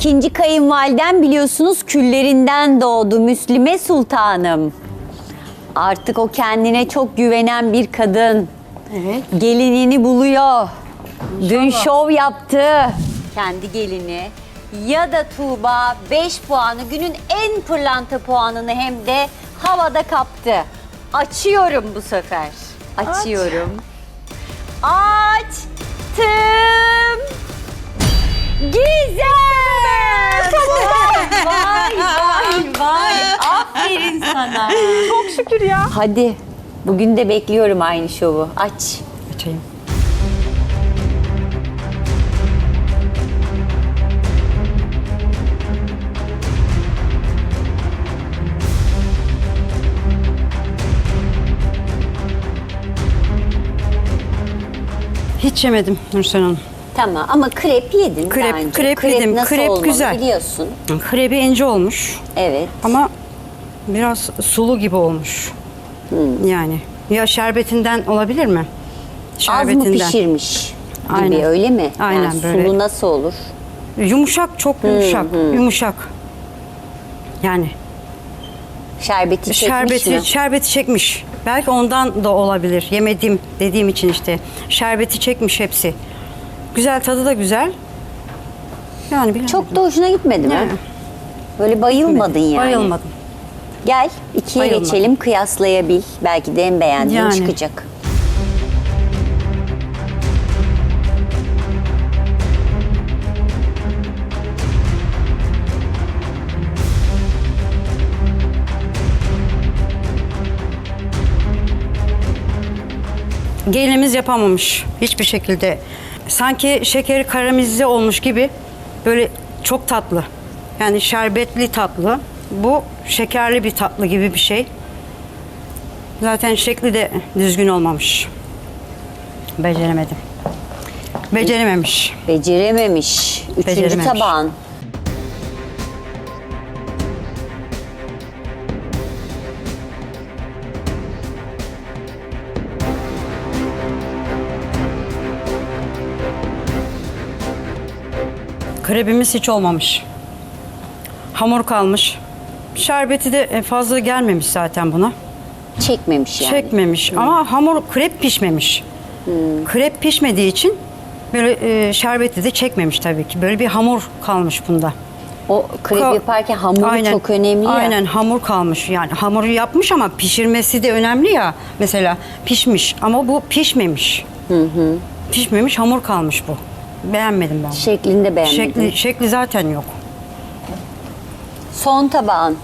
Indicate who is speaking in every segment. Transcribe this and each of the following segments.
Speaker 1: İkinci kayınvaliden biliyorsunuz küllerinden doğdu Müslüme Sultanım. Artık o kendine çok güvenen bir kadın.
Speaker 2: Evet.
Speaker 1: Gelinini buluyor. Dün şov yaptı. Kendi gelini. Ya da Tuğba 5 puanı, günün en pırlanta puanını hem de havada kaptı. Açıyorum bu sefer. Açıyorum. Açtım. Gizem! Vay vay vay. Aferin sana.
Speaker 2: Çok şükür ya.
Speaker 1: Hadi. Bugün de bekliyorum aynı şovu. Aç.
Speaker 2: Açayım. Hiç yemedim Nursel Hanım.
Speaker 1: Tamam ama krep yedin
Speaker 2: Krep-
Speaker 1: daha önce.
Speaker 2: krep yedim.
Speaker 1: Nasıl
Speaker 2: Krep
Speaker 1: olmalı
Speaker 2: güzel.
Speaker 1: biliyorsun.
Speaker 2: Krebi ince olmuş
Speaker 1: Evet.
Speaker 2: ama biraz sulu gibi olmuş. Yani ya şerbetinden olabilir mi?
Speaker 1: Az mı pişirmiş gibi
Speaker 2: Aynen.
Speaker 1: öyle mi?
Speaker 2: Aynen
Speaker 1: Yani
Speaker 2: böyle.
Speaker 1: sulu nasıl olur?
Speaker 2: Yumuşak, çok yumuşak. Yumuşak. Yani
Speaker 1: Şerbeti çekmiş mi?
Speaker 2: şerbeti çekmiş. Belki ondan da olabilir. Yemedim dediğim için işte. Şerbeti çekmiş hepsi. Güzel, tadı da güzel. Yani bilemedim.
Speaker 1: Çok da hoşuna gitmedi mi?
Speaker 2: Yani.
Speaker 1: Böyle bayılmadın yani.
Speaker 2: Bayılmadım.
Speaker 1: Gel ikiye
Speaker 2: Bayılmadım.
Speaker 1: geçelim, kıyaslayabil. Belki de en beğendiğin
Speaker 2: Yani.
Speaker 1: çıkacak.
Speaker 2: Gelinimiz yapamamış hiçbir şekilde. Sanki şekeri karamelize olmuş gibi, böyle çok tatlı. Yani şerbetli tatlı. Bu şekerli bir tatlı gibi bir şey. Zaten şekli de düzgün olmamış. Beceremedim. Becerememiş.
Speaker 1: Becerememiş. Üçüncü
Speaker 2: Becerememiş.
Speaker 1: tabağın.
Speaker 2: Krebimiz hiç olmamış. Hamur kalmış. Şerbeti de fazla gelmemiş zaten buna.
Speaker 1: Çekmemiş yani.
Speaker 2: Çekmemiş ama hamur krep pişmemiş. Krep pişmediği için böyle şerbeti de çekmemiş tabii ki. Böyle bir hamur kalmış bunda.
Speaker 1: O krep yaparken hamuru çok önemli ya.
Speaker 2: Aynen, hamur kalmış. Yani hamuru yapmış ama pişirmesi de önemli ya. Mesela pişmiş ama bu pişmemiş. Pişmemiş, hamur kalmış bu. Beğenmedim ben bunu.
Speaker 1: Şeklinde beğenmedim.
Speaker 2: Şekli zaten yok.
Speaker 1: Son tabağın.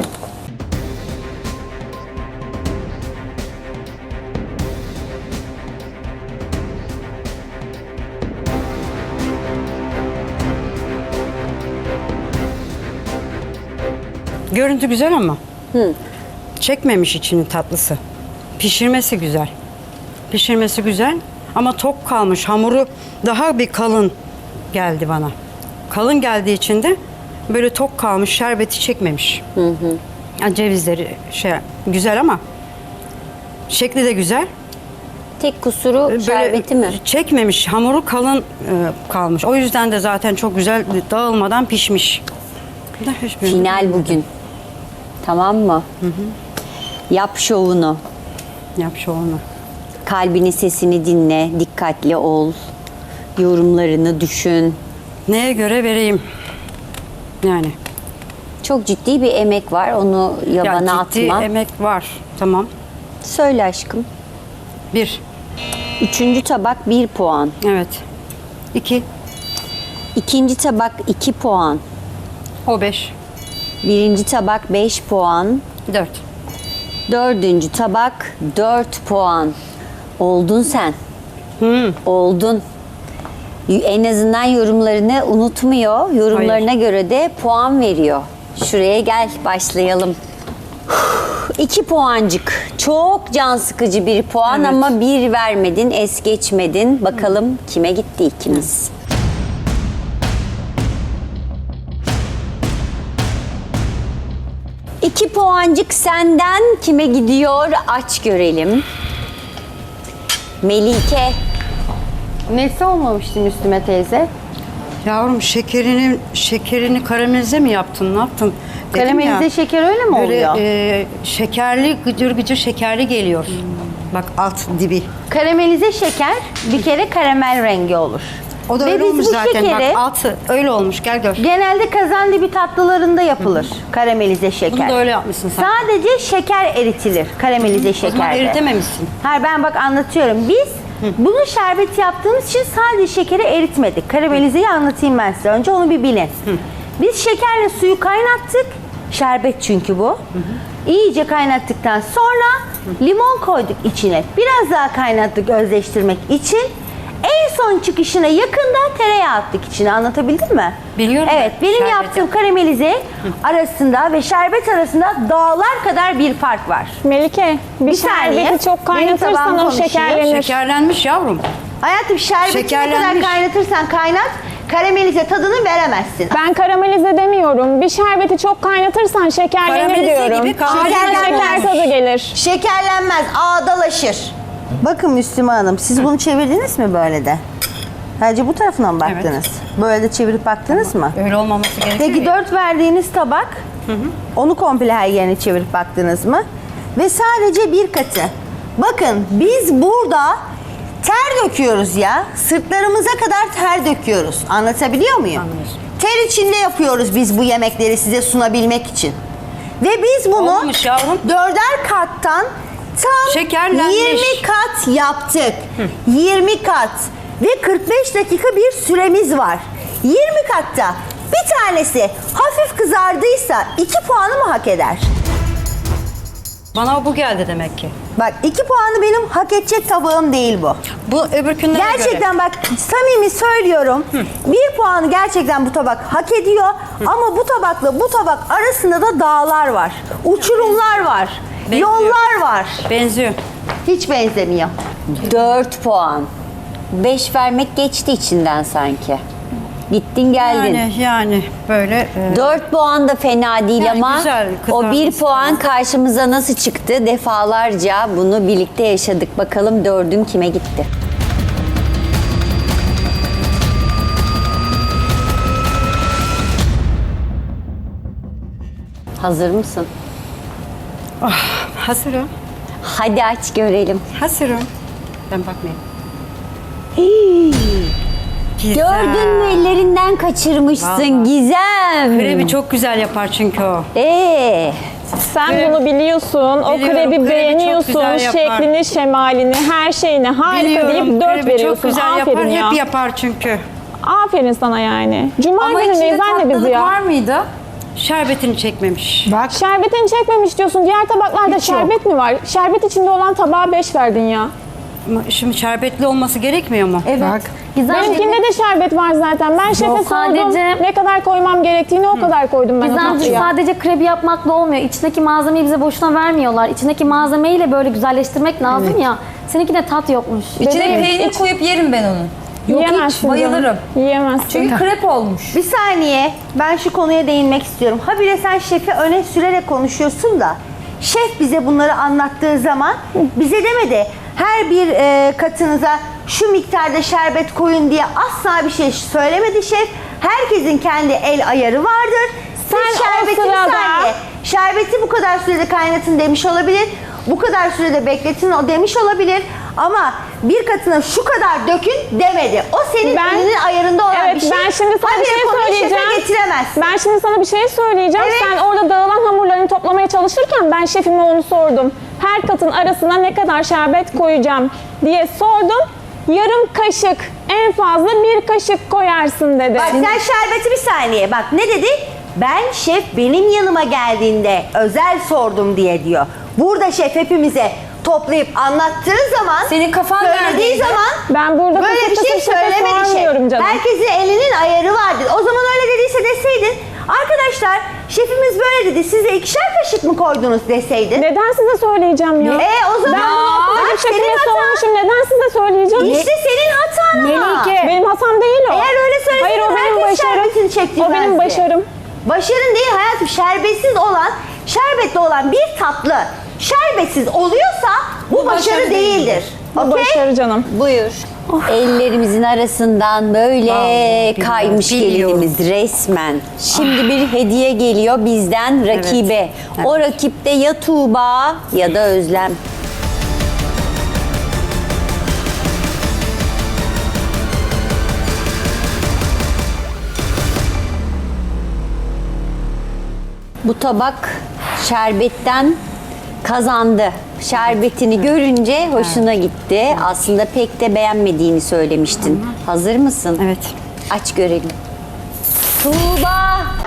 Speaker 2: Görüntü güzel ama çekmemiş içinin tatlısı. Pişirmesi güzel. Pişirmesi güzel ama tok kalmış. Hamuru daha bir kalın geldi bana. Kalın geldiği için de böyle tok kalmış, şerbeti çekmemiş. Yani cevizleri güzel ama şekli de güzel.
Speaker 1: Tek kusuru
Speaker 2: Böyle
Speaker 1: şerbeti mi?
Speaker 2: çekmemiş, hamuru kalın kalmış. O yüzden de zaten çok güzel dağılmadan pişmiş.
Speaker 1: Final bugün. Tamam mı? Yap şovunu.
Speaker 2: Yap şovunu.
Speaker 1: Kalbinin sesini dinle. Dikkatli ol. Yorumlarını düşün.
Speaker 2: Neye göre vereyim? Yani.
Speaker 1: Çok ciddi bir emek var. Onu yabana
Speaker 2: ciddi
Speaker 1: atma.
Speaker 2: emek var. Tamam.
Speaker 1: Söyle aşkım.
Speaker 2: 1.
Speaker 1: Üçüncü tabak 1 puan.
Speaker 2: Evet. 2.
Speaker 1: İkinci tabak 2 puan.
Speaker 2: O 5.
Speaker 1: Birinci tabak 5 puan.
Speaker 2: 4.
Speaker 1: Dördüncü tabak 4 puan. Oldun sen. Oldun. En azından yorumlarını unutmuyor. Yorumlarına göre de puan veriyor. Şuraya gel, başlayalım. 2 puancık. Çok can sıkıcı bir puan
Speaker 2: Evet.
Speaker 1: ama 1 vermedin, es geçmedin. Bakalım kime gitti ikimiz. İki puancık senden kime gidiyor? Aç görelim. Melike.
Speaker 3: Nesi olmamıştı Müslüme teyze?
Speaker 2: Yavrum şekerini karamelize mi yaptın? Ne yaptın? Dedim
Speaker 1: Karamelize
Speaker 2: ya,
Speaker 1: şeker öyle mi
Speaker 2: böyle,
Speaker 1: oluyor?
Speaker 2: şekerli, gıcır gıcır şekerli geliyor. Bak alt dibi.
Speaker 1: Karamelize şeker bir kere karamel rengi olur.
Speaker 2: O da
Speaker 1: Ve
Speaker 2: öyle
Speaker 1: biz
Speaker 2: olmuş
Speaker 1: bu
Speaker 2: zaten.
Speaker 1: şekeri-
Speaker 2: Bak altı öyle olmuş. Gel gör.
Speaker 1: Genelde kazandibi tatlılarında yapılır karamelize şeker.
Speaker 2: Bunu da öyle yapmışsın sen.
Speaker 1: Sadece şeker eritilir karamelize
Speaker 2: O zaman
Speaker 1: şekerde.
Speaker 2: eritememişsin.
Speaker 1: Hayır ben bak anlatıyorum. Biz bunu şerbeti yaptığımız için sadece şekeri eritmedik. Karamelizeyi anlatayım ben size. Önce onu bir bilin. Biz şekerle suyu kaynattık. Şerbet çünkü bu. İyice kaynattıktan sonra limon koyduk içine. Biraz daha kaynattık özleştirmek için. En son çıkışına yakında tereyağı attık içine. Anlatabildim mi?
Speaker 2: Biliyorum
Speaker 1: Evet,
Speaker 2: ben,
Speaker 1: benim
Speaker 2: şerbeti.
Speaker 1: yaptığım karamelize arasında ve şerbet arasında dağlar kadar bir fark var.
Speaker 3: Melike, bir
Speaker 1: saniye.
Speaker 3: şerbeti çok
Speaker 1: Benim tabağım
Speaker 3: kaynatırsan o
Speaker 1: konuşuyor.
Speaker 3: şekerlenir.
Speaker 2: Şekerlenmiş yavrum.
Speaker 1: Hayatım şerbeti ne kadar
Speaker 2: Şekerlenmiş.
Speaker 1: kaynatırsan kaynat, karamelize tadını veremezsin.
Speaker 3: Ben karamelize demiyorum. Bir şerbeti çok kaynatırsan şekerlenir
Speaker 2: Karamelize
Speaker 3: diyorum.
Speaker 2: gibi karamelize
Speaker 3: Şeker
Speaker 1: olmuş.
Speaker 3: tadı gelir.
Speaker 1: Şekerlenmez, ağdalaşır. Bakın Müslüman Hanım, siz bunu çevirdiniz mi böyle de? Sadece bu tarafından mı baktınız? Böyle de çevirip baktınız mı?
Speaker 2: Öyle olmaması gerekiyor.
Speaker 1: Peki
Speaker 2: ya.
Speaker 1: 4 verdiğiniz tabak, onu komple her yerine çevirip baktınız mı? Ve sadece bir katı. Bakın biz burada ter döküyoruz ya. Sırtlarımıza kadar ter döküyoruz. Anlatabiliyor muyum?
Speaker 2: Anlıyorsun.
Speaker 1: Ter içinde yapıyoruz biz bu yemekleri size sunabilmek için. Ve biz bunu
Speaker 2: Olmamış yavrum.
Speaker 1: 4'er kattan tam
Speaker 2: Şekerlenmiş.
Speaker 1: 20 kat yaptık. 20 kat. Ve 45 dakika bir süremiz var. 20 katta bir tanesi hafif kızardıysa 2 puanı mı hak eder?
Speaker 2: Bana bu geldi demek ki.
Speaker 1: Bak 2 puanı benim hak edecek tabağım değil bu.
Speaker 2: Bu öbürkünlere göre.
Speaker 1: Gerçekten bak samimi söylüyorum. 1 puanı gerçekten bu tabak hak ediyor. Ama bu tabakla bu tabak arasında da dağlar var. Uçurumlar var.
Speaker 2: Benziyor.
Speaker 1: Yollar var.
Speaker 2: Benziyor.
Speaker 1: Hiç benzemiyor.
Speaker 4: 4 puan. 5 vermek geçti içinden sanki. Gittin geldin.
Speaker 2: Yani böyle.
Speaker 4: 4 puan da fena değil
Speaker 2: Yani
Speaker 4: ama
Speaker 2: güzel,
Speaker 4: o 1
Speaker 2: kızartması
Speaker 4: puan karşımıza nasıl çıktı? Defalarca bunu birlikte yaşadık. Bakalım 4'ün kime gitti? Hazır mısın?
Speaker 2: Hazırım.
Speaker 4: Hadi aç görelim.
Speaker 2: Hazırım. Ben bakmayayım.
Speaker 4: Gördün mü, ellerinden kaçırmışsın
Speaker 2: Vallahi.
Speaker 4: Gizem.
Speaker 2: Krebi çok güzel yapar çünkü o.
Speaker 3: Sen bunu biliyorsun. O
Speaker 2: Biliyorum,
Speaker 3: krebi
Speaker 2: krebi çok
Speaker 3: beğeniyorsun.
Speaker 2: güzel yapar.
Speaker 3: Şeklini, şemalini, her şeyini harika deyip 4
Speaker 2: krebi
Speaker 3: veriyorsun.
Speaker 2: çok güzel
Speaker 3: Aferin
Speaker 2: yapar.
Speaker 3: ya.
Speaker 2: Hep yapar çünkü.
Speaker 3: Aferin sana yani. Cuma
Speaker 5: Ama
Speaker 3: günündeyiz
Speaker 5: içinde
Speaker 3: anne bizi
Speaker 5: tatlılık
Speaker 3: ya.
Speaker 5: var mıydı?
Speaker 2: Şerbetini çekmemiş.
Speaker 5: Bak.
Speaker 3: Şerbetini çekmemiş diyorsun. Diğer tabaklarda
Speaker 5: Hiç yok.
Speaker 3: şerbet mi var? Şerbet içinde olan tabağa 5 verdin ya.
Speaker 2: Ama şimdi şerbetli olması gerekmiyor mu?
Speaker 5: Evet.
Speaker 6: Bak.
Speaker 3: Benimkinde de şerbet var zaten. Ben şefe sordum.
Speaker 6: Sadece-
Speaker 3: Ne kadar koymam gerektiğini o kadar koydum ben o
Speaker 6: Gizemciğim
Speaker 3: tatlıya.
Speaker 6: sadece krebi yapmakla olmuyor. İçindeki malzemeyi bize boşuna vermiyorlar. İçindeki malzemeyi böyle güzelleştirmek lazım ya. Seninki tat yokmuş.
Speaker 5: İçine
Speaker 3: Bebeğim,
Speaker 5: peynir koyup yerim ben onu. Yok
Speaker 3: Yiyemezsin
Speaker 5: hiç bayılırım.
Speaker 3: canım. Yiyemezsin.
Speaker 5: Çünkü krep olmuş.
Speaker 1: Bir saniye, ben şu konuya değinmek istiyorum. Habire sen şefi öne sürerek konuşuyorsun da şef bize bunları anlattığı zaman bize demedi her bir katınıza şu miktarda şerbet koyun diye asla bir şey söylemedi şef. Herkesin kendi el ayarı vardır.
Speaker 3: Sen
Speaker 1: Siz
Speaker 3: o
Speaker 1: şerbeti bir
Speaker 3: sırada-
Speaker 1: saniye, şerbeti bu kadar sürede kaynatın demiş olabilir. Bu kadar sürede bekletin o demiş olabilir. Ama bir katına şu kadar dökün demedi. O senin
Speaker 3: Ben-
Speaker 1: elinin ayarında olan
Speaker 3: Evet,
Speaker 1: bir şey.
Speaker 3: ben şimdi sana bir
Speaker 1: Habire
Speaker 3: şey
Speaker 1: konuyu şefe
Speaker 3: söyleyeceğim.
Speaker 1: getiremezsin.
Speaker 3: Ben şimdi sana bir şey söyleyeceğim.
Speaker 1: Evet.
Speaker 3: Sen orada dağılan hamurlarını toplamaya çalışırken ben şefime onu sordum. Her katın arasına ne kadar şerbet koyacağım diye sordum. Yarım kaşık, en fazla 1 kaşık koyarsın dedi.
Speaker 1: Bak sen şerbeti bir saniye. Bak ne dedi? Ben şef benim yanıma geldiğinde özel sordum diye diyor. Burada şef hepimize toplayıp anlattığı zaman,
Speaker 5: Senin kafan
Speaker 1: söylediği
Speaker 5: neredeydi?
Speaker 1: zaman
Speaker 3: Ben burada
Speaker 1: böyle bir
Speaker 3: kısır
Speaker 1: şey
Speaker 3: kısır şefe
Speaker 1: söylemedi
Speaker 3: sormuyorum
Speaker 1: şef.
Speaker 3: canım.
Speaker 1: Herkesin elinin ayarı vardır. O zaman öyle dediyse deseydin, arkadaşlar şefimiz böyle dedi, siz de 2'şer kaşık mı koydunuz deseydin.
Speaker 3: Neden size söyleyeceğim ya?
Speaker 1: O zaman
Speaker 3: Ben bunu okulda
Speaker 1: bak,
Speaker 3: şefime
Speaker 1: senin hatan.
Speaker 3: sormuşum. Neden size söyleyeceğim?
Speaker 1: İşte senin hatan ama.
Speaker 3: Benim hatam değil o.
Speaker 1: Eğer öyle söyleseydin
Speaker 3: Hayır, o benim
Speaker 1: herkes
Speaker 3: başarım.
Speaker 1: şerbetini çektirmezdi.
Speaker 3: O benim başarım.
Speaker 1: Başarın değil hayatım, şerbetsiz olan, şerbetli olan bir tatlı şerbetsiz oluyorsa bu başarı değildir.
Speaker 3: Bu
Speaker 1: Okey?
Speaker 3: başarı canım.
Speaker 4: Buyur. Ellerimizin arasından böyle
Speaker 2: Vallahi
Speaker 4: kaymış
Speaker 2: biliyorum.
Speaker 4: gelinimiz resmen. Şimdi bir hediye geliyor bizden rakibe.
Speaker 2: Evet.
Speaker 4: O rakipte ya Tuğba ya da Özlem. Bu tabak şerbetten kazandı. Şerbetini görünce hoşuna gitti. Aslında pek de beğenmediğini söylemiştin. Hazır mısın?
Speaker 2: Evet.
Speaker 4: Aç görelim. Tuğba